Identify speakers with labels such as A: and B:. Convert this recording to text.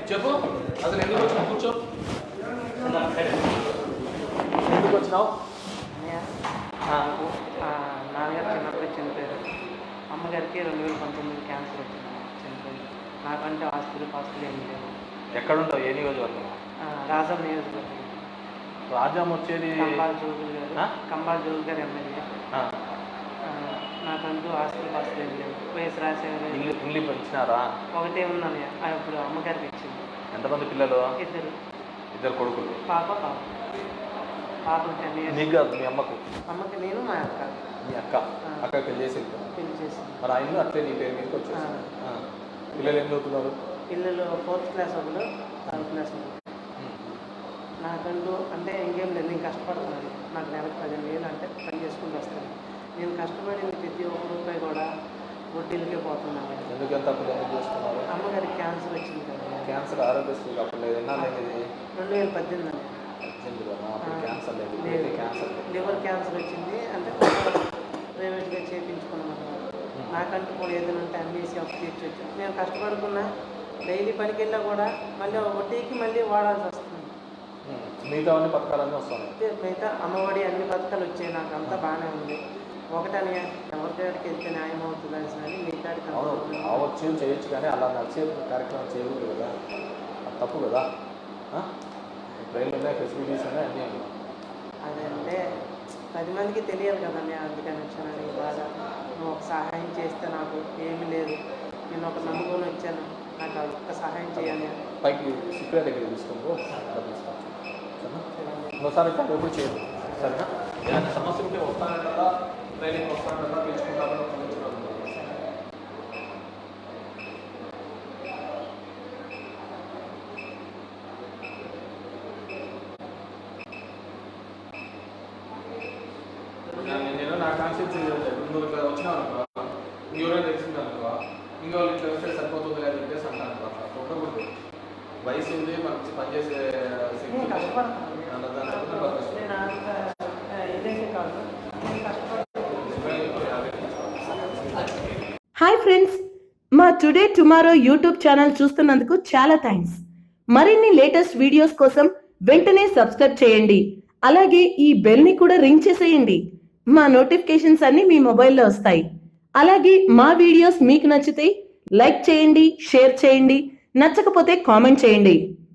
A: చెప్పు అసలు ఎందుకు వచ్చినావు? కూర్చో. ఎందుకు వచ్చినావు?
B: నాన్నగారు చిన్నప్పుడు చనిపోయారు. అమ్మగారికి 2019 క్యాన్సర్ వచ్చింది, చనిపోయింది. నాకంటే ఆస్తులు ఏమి లేవు.
A: ఎక్కడ ఉంటావు? ఏ నియోజకవర్గం?
B: రాజం నియోజకవర్గం.
A: రాజాం వచ్చేది
B: కంబాల జోగు గారు ఎమ్మెల్యే. నాకంటూ ఆస్తులు ఏమి లేవు. వయసు రాసేవారు
A: ఇల్లు పెంచినారా?
B: ఒకటే ఉందని ఇప్పుడు అమ్మగారికి ఇచ్చింది.
A: ఎంతమంది పిల్లలు? ఇద్దరు కొడుకులు.
B: పాపకు 10 years.
A: నీకు కాదు, మీ అమ్మకు?
B: అమ్మకి నేను, మా అక్క.
A: మీ అక్క పెళ్లి చేసి మరి ఆయన అట్లే నీ పేరు మీదకి వచ్చేసి. పిల్లలు ఏం చదువుతున్నారు?
B: పిల్లలు 4th class ఒకరు, 3rd class ఒకరు. నాకంటూ అంటే ఇంకేం లేదు, నేను కష్టపడుతున్నాను. నాకు నెలకు 15,000 అంటే పని చేసుకుంటూ వస్తాను. నేను కష్టపడిన ప్రతి ఒక్క రూపాయి కూడా వడ్డీలకే పోతున్నాను.
A: ఎందుకు ఎంత అప్పుడు ఎందుకు చేసుకున్నారు?
B: అమ్మగారికి క్యాన్సర్ వచ్చింది కదా.
A: క్యాన్సర్ ఆరోగ్యశ్రీ అప్పుడు లేదు. ఎన్నాళ్ళు అయింది?
B: 2018 అండి.
A: క్యాన్సర్ లేదు, క్యాన్సర్
B: లివర్ క్యాన్సర్ వచ్చింది. అంటే ప్రైవేట్గా చేయించుకున్నాను. నాకంటూ కూడా ఏదైనా ఉంటే అమ్మేసి అప్పు తీర్చొచ్చు. నేను కష్టపడుకున్నా, డైలీ పనికి వెళ్ళా కూడా మళ్ళీ వడ్డీకి మళ్ళీ వాడాల్సి వస్తుంది.
A: మిగతా అన్ని పథకాలన్నీ వస్తాయి.
B: మిగతా అమ్మఒడి అన్ని పథకాలు వచ్చాయి. నాకు అంతా బాగానే ఉంది. ఒకటని ఎవరికాడికి వెళ్తే న్యాయం అవుతుంది అని మిగతాడికి
A: అవచ్చు, చేయొచ్చు, కానీ అలా నడిచే కార్యక్రమం చేయకూడదు కదా, అది తప్పు కదా. ట్రైన్లు ఉన్నాయి, ఫెసిలిటీస్ ఉన్నాయి, అన్నీ ఉన్నాయి.
B: అదంటే 10 మందికి తెలియాలి కదండి, అందుకని వచ్చాను. బాగా నువ్వు ఒక సహాయం చేస్తే నాకు ఏమీ లేదు, నేను ఒక నమ్ముకొని వచ్చాను, నాకు ఒక్క సహాయం చేయాలి.
A: పైకి సిక్కుల దగ్గర తీసుకోండి, డబ్బులు ఇస్తాను. ఇంకోసారి ఎప్పుడు చేయదు, సరేనా? ఏదైనా సమస్య ఉంటే వస్తాను కదా, ట్రైనింగ్ వస్తాను కదా, పిలుచుకుంటామని ఒక నుంచి నేను నా కాన్షియన్స్ నువ్వు ఇట్లా వచ్చినావు అనుకో, ఇంకెవరైనా తెలిసింది అనుకో, ఇంకో వాళ్ళు ఇట్లా వస్తే సరిపోతుంది అని చెప్పేసి అంటాను. అట్లా ఉండకూడదు. వయసు ఉంది, మనకి పనిచేసే
C: హాయ్ ఫ్రెండ్స్, మా టుడే టుమారో యూట్యూబ్ ఛానల్ చూస్తున్నందుకు చాలా థ్యాంక్స్. మరిన్ని లేటెస్ట్ వీడియోస్ కోసం వెంటనే సబ్స్క్రైబ్ చేయండి. అలాగే ఈ బెల్ ని కూడా రింగ్ చేసేయండి. మా నోటిఫికేషన్స్ అన్ని మీ మొబైల్లో వస్తాయి. అలాగే మా వీడియోస్ మీకు నచ్చితే లైక్ చేయండి, షేర్ చేయండి, నచ్చకపోతే కామెంట్ చేయండి.